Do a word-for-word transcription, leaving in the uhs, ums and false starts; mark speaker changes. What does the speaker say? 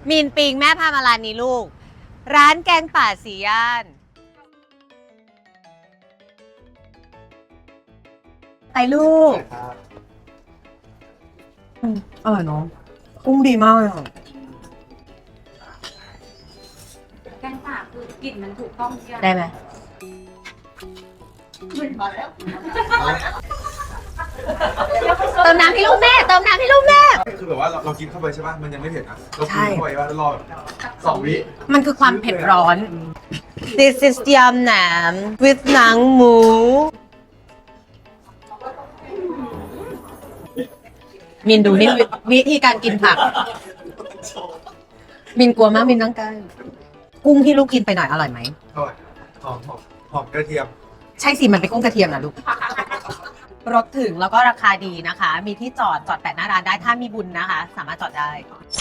Speaker 1: มีนปิงแม่พามาร้านนี้ลูก ร้านแกงป่าสีย่านไปลูกอร่อยเนาะกุ้งดีมากเลยค่ะ
Speaker 2: แกงป่าคือกลิ่นมันถูกต้องใช่ไหม
Speaker 1: ได้ไหมเติมน้ำให้ลูกแม่เติมน้ำให้ลูกแม่
Speaker 3: คือแบบว่าเราเรากินเข้าไปใช่ป่ะ มันยังไม่เผ็ดนะเรา
Speaker 1: ใช่
Speaker 3: กินเข้าไปว่าแล้วรอแบบสองวิ
Speaker 1: มันคือความเผ็ดร้อน This is ยำแหนม with หนังหมู มินดูนี่วิวิธีการกินผัก มินกลัวมากมินต้องการกุ้งที่ลูกกินไปหน่อยอร่อยไหม
Speaker 3: อร่อยหอมหอมหอมกระเทียม
Speaker 1: ใช่สิ มันเป็นกุ้งกระเทียมนะลูก รถถึงแล้วก็ราคาดีนะคะ มีที่จอดจอดแปะหน้าร้านได้ถ้ามีบุญนะคะ สามารถจอดได้